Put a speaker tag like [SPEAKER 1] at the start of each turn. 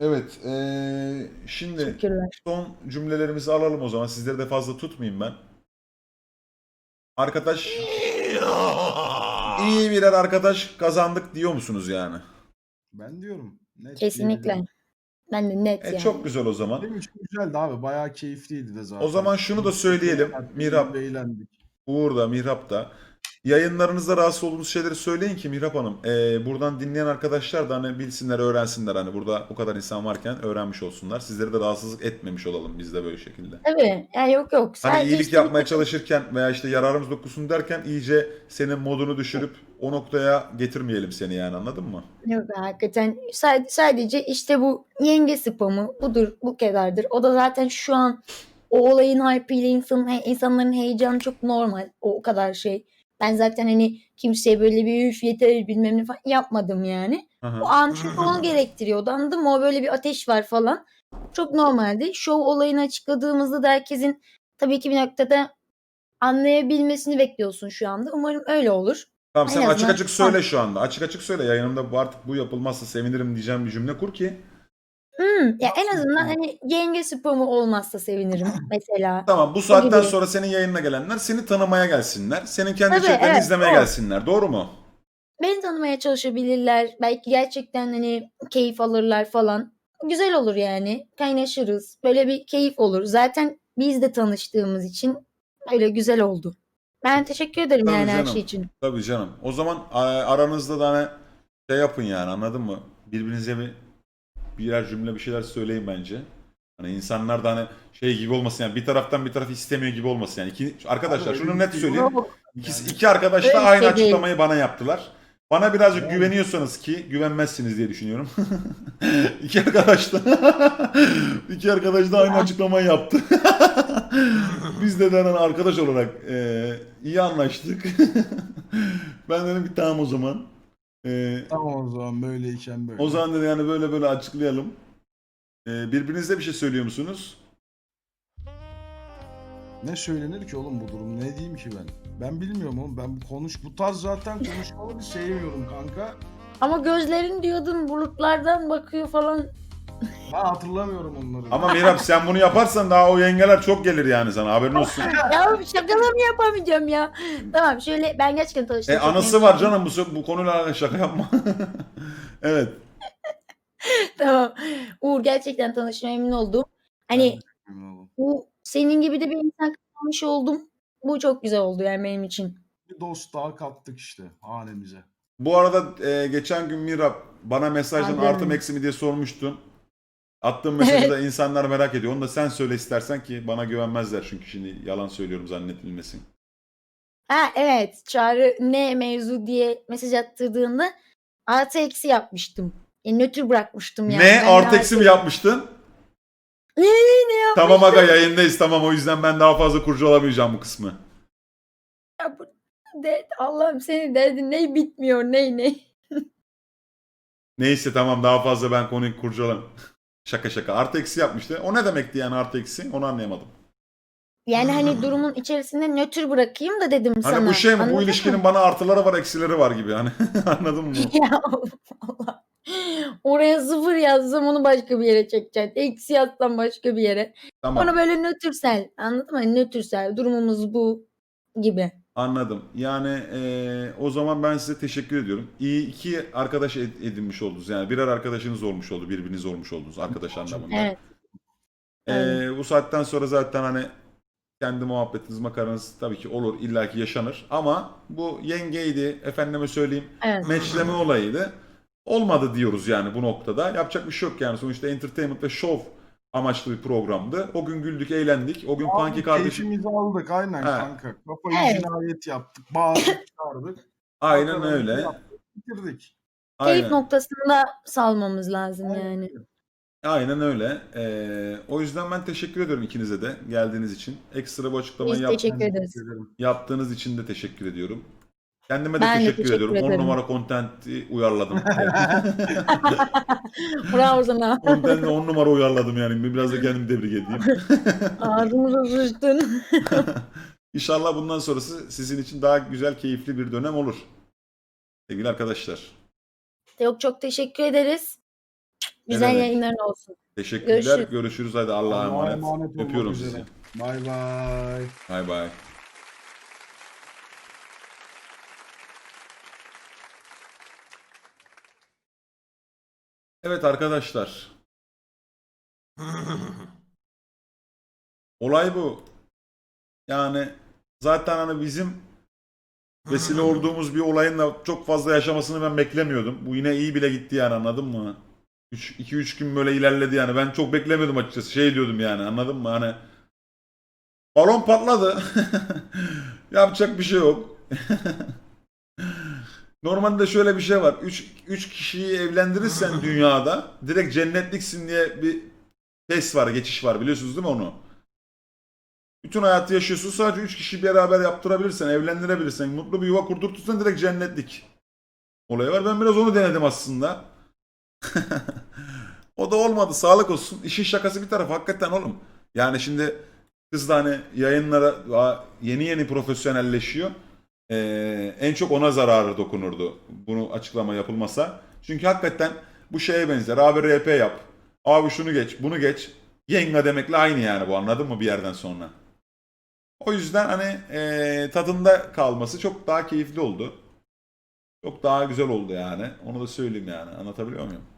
[SPEAKER 1] Evet, şimdi
[SPEAKER 2] Teşekkürler.
[SPEAKER 1] son cümlelerimizi alalım o zaman. Sizleri de fazla tutmayayım ben. Arkadaş, iyi birer arkadaş kazandık diyor musunuz yani?
[SPEAKER 3] Ben diyorum. Net
[SPEAKER 2] Kesinlikle.
[SPEAKER 3] diyebilirim.
[SPEAKER 2] Ben de net
[SPEAKER 1] Çok
[SPEAKER 2] yani.
[SPEAKER 1] güzel o zaman.
[SPEAKER 3] Benim için güzeldi abi. Bayağı keyifliydi de
[SPEAKER 1] O
[SPEAKER 3] zaten.
[SPEAKER 1] zaman şunu da söyleyelim. Mihrap,
[SPEAKER 3] Eğlendik.
[SPEAKER 1] Uğur da, Mihrap da. Yayınlarınızda rahatsız olduğunuz şeyleri söyleyin ki Mihrap Hanım. Buradan dinleyen arkadaşlar da hani bilsinler, öğrensinler. Hani burada bu kadar insan varken öğrenmiş olsunlar. Sizleri de rahatsızlık etmemiş olalım biz de böyle şekilde.
[SPEAKER 2] Tabii. Yani yok.
[SPEAKER 1] Hani
[SPEAKER 2] Sadece
[SPEAKER 1] iyilik
[SPEAKER 2] işte
[SPEAKER 1] yapmaya çalışırken veya işte yararımız dokunsun derken iyice senin modunu düşürüp o noktaya getirmeyelim seni yani, anladın mı?
[SPEAKER 2] yok hakikaten sadece işte bu yenge spamı budur, bu kadardır. O da zaten şu an o olayın hype'ıyla insanların heyecanı çok normal. O kadar şey. Ben zaten hani kimseye böyle bir üf yeter bilmem ne falan yapmadım yani.
[SPEAKER 1] Hı
[SPEAKER 2] O
[SPEAKER 1] hı.
[SPEAKER 2] an çünkü onu gerektiriyordu, anladın mı? O böyle bir ateş var falan. Çok normaldi. Şov olayını açıkladığımızda da herkesin tabii ki bir noktada anlayabilmesini bekliyorsun şu anda. Umarım öyle olur.
[SPEAKER 1] Tamam,
[SPEAKER 2] En
[SPEAKER 1] sen açık
[SPEAKER 2] azından
[SPEAKER 1] açık söyle şu anda. Açık açık söyle. Yayınımda artık bu yapılmazsa sevinirim diyeceğim bir cümle kur ki.
[SPEAKER 2] ya en azından hani yenge spamı olmazsa sevinirim mesela.
[SPEAKER 1] Tamam, bu
[SPEAKER 2] O
[SPEAKER 1] saatten
[SPEAKER 2] gibi.
[SPEAKER 1] sonra senin yayınına gelenler seni tanımaya gelsinler. Senin kendi
[SPEAKER 2] Tabii
[SPEAKER 1] içeriklerini
[SPEAKER 2] evet
[SPEAKER 1] izlemeye
[SPEAKER 2] o.
[SPEAKER 1] gelsinler. Doğru mu?
[SPEAKER 2] Beni tanımaya çalışabilirler. Belki gerçekten hani keyif alırlar falan. Güzel olur yani. Kaynaşırız. Böyle bir keyif olur. Zaten biz de tanıştığımız için öyle güzel oldu. Ben teşekkür ederim
[SPEAKER 1] Tabii
[SPEAKER 2] yani her
[SPEAKER 1] canım.
[SPEAKER 2] şey için.
[SPEAKER 1] Tabii canım. O zaman aranızda da hani şey yapın yani, anladın mı? Birbirinize birer cümle bir şeyler söyleyin bence. Hani insanlar da hani şey gibi olmasın yani, bir taraftan bir taraf istemiyor gibi olmasın yani. Arkadaşlar
[SPEAKER 3] Abi
[SPEAKER 1] şunu
[SPEAKER 3] öyle
[SPEAKER 1] net
[SPEAKER 3] bir şey
[SPEAKER 1] söyleyeyim.
[SPEAKER 2] Yok.
[SPEAKER 3] yani.
[SPEAKER 1] İki arkadaş da
[SPEAKER 2] Öyle bir
[SPEAKER 1] aynı
[SPEAKER 2] şey değil.
[SPEAKER 1] açıklamayı bana yaptılar. Bana birazcık
[SPEAKER 3] Yani
[SPEAKER 1] güveniyorsanız, ki güvenmezsiniz diye düşünüyorum. İki arkadaş da iki arkadaş da aynı
[SPEAKER 2] Ya,
[SPEAKER 1] açıklamayı yaptı. Biz de hani arkadaş olarak iyi anlaştık. Ben dedim ki tamam o zaman.
[SPEAKER 3] tamam o zaman böyleyken
[SPEAKER 1] O
[SPEAKER 3] böyle.
[SPEAKER 1] zaman dedi yani böyle böyle açıklayalım. Birbirinize bir şey söylüyor musunuz?
[SPEAKER 3] Ne söylenir ki oğlum bu durum? Ne diyeyim ki ben? Ben bilmiyorum oğlum. Ben bu tarz zaten konuşmaları sevmiyorum kanka.
[SPEAKER 2] ama gözlerin diyordun bulutlardan bakıyor falan.
[SPEAKER 3] Ben hatırlamıyorum onları.
[SPEAKER 1] Ama Mirab, sen bunu yaparsan daha o yengeler çok gelir yani, sana haberin olsun.
[SPEAKER 2] Ya şakalarını yapamayacağım ya. Tamam şöyle ben gerçekten tanıştığım çok memnun
[SPEAKER 1] Anısı var
[SPEAKER 2] oldum.
[SPEAKER 1] canım, bu konuyla alakalı şaka yapma. Evet.
[SPEAKER 2] Tamam. Uğur gerçekten tanıştığıma memnun oldum.
[SPEAKER 3] Ben de
[SPEAKER 2] Hani
[SPEAKER 3] sevmiyorum oğlum.
[SPEAKER 2] bu senin gibi de bir insan kazanmış oldum. Bu çok güzel oldu yani benim için.
[SPEAKER 3] Bir dost daha kattık işte hanemize.
[SPEAKER 1] Bu arada geçen gün Mirab bana mesajdan artı mı
[SPEAKER 2] Adem.
[SPEAKER 1] eksi mi diye sormuştun. Attığım mesajı
[SPEAKER 2] Evet.
[SPEAKER 1] da insanlar merak ediyor. Onu da sen söyle istersen, ki bana güvenmezler çünkü şimdi yalan söylüyorum zannedilmesin.
[SPEAKER 2] Ha evet. Çağrı ne mevzu diye mesaj attırdığında artı eksi yapmıştım. Nötr bırakmıştım yani.
[SPEAKER 1] Ne?
[SPEAKER 2] Ben de
[SPEAKER 1] Artı eksi
[SPEAKER 2] artı
[SPEAKER 1] mi yapmıştın?
[SPEAKER 2] ne
[SPEAKER 1] Tamam aga,
[SPEAKER 2] yapmıştım?
[SPEAKER 1] yayındayız, tamam, o yüzden ben daha fazla kurcalamayacağım bu kısmı.
[SPEAKER 2] Ya Allah'ım senin derdin ne bitmiyor ne.
[SPEAKER 1] Neyse tamam, daha fazla ben konuyu kurcalam. Şaka şaka. Artı eksi yapmıştı. O ne demekti yani artı eksi? Onu anlayamadım.
[SPEAKER 2] Yani hani durumun içerisinde nötr bırakayım da dedim
[SPEAKER 1] Hani bu
[SPEAKER 2] sana.
[SPEAKER 1] şey mi? Bu
[SPEAKER 2] Anladın mı?
[SPEAKER 1] ilişkinin bana artıları var, eksileri var gibi. Hani anladın mı?
[SPEAKER 2] Ya Allah. Oraya sıfır yazsam onu başka bir yere çekeceksin. Eksi yazsam başka bir yere. Onu
[SPEAKER 1] Tamam.
[SPEAKER 2] böyle nötrsel. Anladın mı? Hani nötrsel. Durumumuz bu gibi.
[SPEAKER 1] Anladım. Yani o zaman ben size teşekkür ediyorum. İyi iki arkadaş edinmiş oldunuz. Yani birer arkadaşınız olmuş oldu. Birbiriniz olmuş oldunuz arkadaş anlamında.
[SPEAKER 2] Evet. Öyle.
[SPEAKER 1] Bu saatten sonra zaten hani kendi muhabbetiniz, makaranız tabii ki olur, illaki yaşanır. Ama bu yengeydi, efendime söyleyeyim,
[SPEAKER 2] Evet.
[SPEAKER 1] meçleme olayıydı. Olmadı diyoruz yani bu noktada. Yapacak bir şey yok yani. Sonuçta entertainment ve show amaçlı bir programdı. O gün güldük, eğlendik. O gün Punky
[SPEAKER 3] Abi
[SPEAKER 1] kardeşim...
[SPEAKER 3] keyfimizi aldık aynen
[SPEAKER 1] He,
[SPEAKER 3] kanka. Kafayı
[SPEAKER 2] Evet.
[SPEAKER 3] cinayet yaptık. Bağırdık çağırdık.
[SPEAKER 1] aynen
[SPEAKER 3] Makaramızı
[SPEAKER 1] öyle.
[SPEAKER 3] yaptık. Bitirdik.
[SPEAKER 2] Keyif
[SPEAKER 1] Aynen.
[SPEAKER 2] noktasında salmamız lazım
[SPEAKER 3] Aynen
[SPEAKER 2] yani.
[SPEAKER 3] öyle.
[SPEAKER 1] Aynen öyle. O yüzden ben teşekkür ediyorum ikinize de geldiğiniz için. Ekstra bu açıklamayı
[SPEAKER 2] Biz teşekkür
[SPEAKER 3] Ben
[SPEAKER 2] ederiz.
[SPEAKER 3] teşekkür ederim.
[SPEAKER 1] yaptığınız için de teşekkür ediyorum. Kendime de
[SPEAKER 2] Ben de
[SPEAKER 1] teşekkür
[SPEAKER 2] teşekkür
[SPEAKER 1] ediyorum. 10
[SPEAKER 2] ederim.
[SPEAKER 1] numara content'i uyarladım.
[SPEAKER 2] Bravo sana.
[SPEAKER 1] Content'le 10 numara uyarladım yani. Biraz da kendimi tebrik edeyim.
[SPEAKER 2] Ağzımıza sıçtın.
[SPEAKER 1] İnşallah bundan sonrası sizin için daha güzel, keyifli bir dönem olur. Sevgili arkadaşlar.
[SPEAKER 2] Yok çok teşekkür ederiz. Güzel
[SPEAKER 1] demek.
[SPEAKER 2] yayınların olsun.
[SPEAKER 1] Teşekkürler.
[SPEAKER 2] Görüşürüz.
[SPEAKER 1] Görüşürüz. Hadi Allah'a
[SPEAKER 3] Allah'a
[SPEAKER 1] emanet.
[SPEAKER 3] emanet olmak
[SPEAKER 1] Öpüyorum
[SPEAKER 3] üzere.
[SPEAKER 1] sizi.
[SPEAKER 3] Bay bay.
[SPEAKER 1] Bay bay. Evet arkadaşlar. Olay bu. Yani zaten hani bizim vesile olduğumuz bir olayın da çok fazla yaşamasını ben beklemiyordum. Bu yine iyi bile gitti yani, anladın mı? 2-3 gün böyle ilerledi yani. Ben çok beklemiyordum açıkçası. Şey diyordum yani, anladın mı? Hani balon patladı. Yapacak bir şey yok. Normalde şöyle bir şey var. 3 kişiyi evlendirirsen dünyada direkt cennetliksin diye bir test var, geçiş var. Biliyorsunuz değil mi onu? Bütün hayatı yaşıyorsun. Sadece 3 kişi beraber yaptırabilirsen, evlendirebilirsen, mutlu bir yuva kurdurtursan direkt cennetlik olayı var. Ben biraz onu denedim aslında. O da olmadı. Sağlık olsun. İşin şakası bir tarafa. Hakikaten oğlum. Yani şimdi kız da hani yayınlara yeni profesyonelleşiyor. En çok ona zararı dokunurdu bunu açıklama yapılmasa. Çünkü hakikaten bu şeye benzer. Abi RP yap. Abi şunu geç, bunu geç. Yenga demekle aynı yani bu, anladın mı bir yerden sonra. O yüzden hani tadında kalması çok daha keyifli oldu. Çok daha güzel oldu yani. Onu da söyleyeyim yani. Anlatabiliyor muyum?